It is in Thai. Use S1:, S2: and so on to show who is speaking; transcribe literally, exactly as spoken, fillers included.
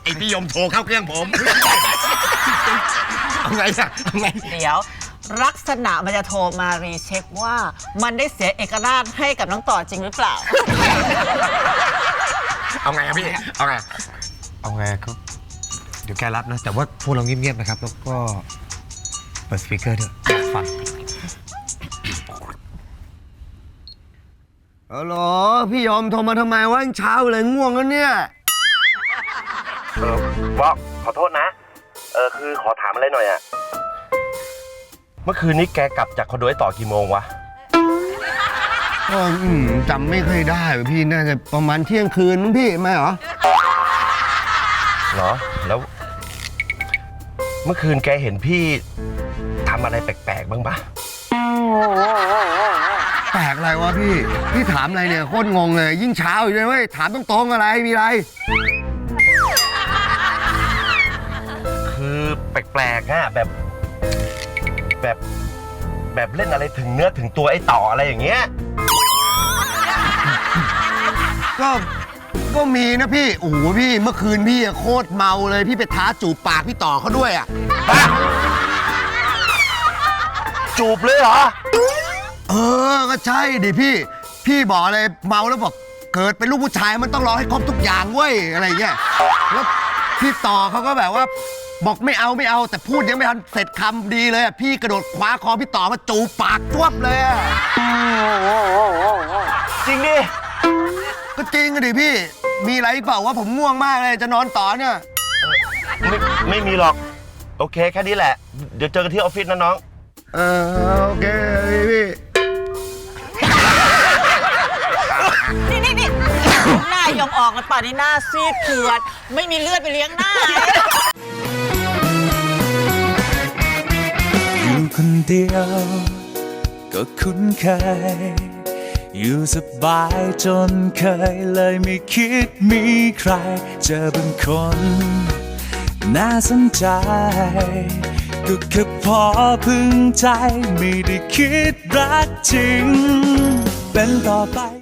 S1: อ้พี่ยมโทรเข้าเครื่องผมเอาไงอะเอาไง
S2: เดี๋ยวลักษณะมันจะโทรมารีเช็คว่ามันได้เสียเอกราชให้กับน้องต่อจริงหรือเปล่า
S1: เอาไงอะพี่เอาไงเอาไงก็เดี๋ยวแกรับนะแต่ว่าพวกเราเงียบๆนะครับแล้วก็เปิดสปีกเกอร์ด้วยฟังฮัลโหลพี่ยอมโทรมาทำไมวะเช้าเลยง่วงแล้วเนี่ย
S3: เออบอกขอโทษนะเออคือขอถามอะไรหน่อยอะเมื่อคืนนี้แกกลับจากคอนโดไอ้ต่อกี่โมงวะ
S1: ก็จำไม่ค่อยได้พี่น่าจะประมาณเที่ยงคืนมั้งพี่ไม่เหรอ
S3: เหรอแล้วเมื่อคืนแกเห็นพี่ทำอะไรแปลกๆบ้างปะ
S1: แปลกอะไรวะพี่พี่ถามอะไรเนี่ยโคตรงงเลยยิ่งเช้าอยู่เลยเว้ยถามตรงๆอะไรมีอะไร
S3: คือแปลกๆอะแบบแบบแบบเล่นอะไรถึงเนื้อถึงตัวไอ้ต่ออะไรอย่างเงี้ย
S1: ก็ก็มีนะพี่โอ้โหพี่เมื่อคืนพี่โคตรเมาเลยพี่ไปท้าจูบปากพี่ต่อเขาด้วยอ่ะ
S3: จูบเลยเหรอ
S1: เออก็ใช่ดิพี่พี่บอกเลยเมาแล้วบอกเกิดเป็นลูกผู้ชายมันต้องรอให้ครบทุกอย่างเว้ยอะไรเงี้ยแล้วพี่ต่อเขาก็แบบว่าบอกไม่เอาไม่เอาแต่พูดยังไม่ทันเสร็จคำดีเลยพี่กระโดดคว้าคอพี่ต่อมาจูบปากจ้วบเลย
S3: จริงดิ
S1: ก็จริงดิพี่มีอะไรเปล่าว่าผมง่วงมากเลยจะนอนต่อเนี่ย
S3: ไม่ไม่มีหรอกโอเคแค่นี้แหละเดี๋ยวเจอกันที่ออฟฟิศนะน้อง
S1: เออโอเคพี่
S2: นี่นี่นี่หน้ายอมออกแล้วป่านนี้หน้าซีดเผือดไม่มีเลือดไปเลี้ยงหน้า
S4: อยู่คนเดียวก็คุ้นเคยอยู่สบายจนเคยเลยไม่คิดมีใครเจอเป็นคนน่าสนใจก็แค่พอพึงใจไม่ได้คิดรักจริงเป็นต่อไป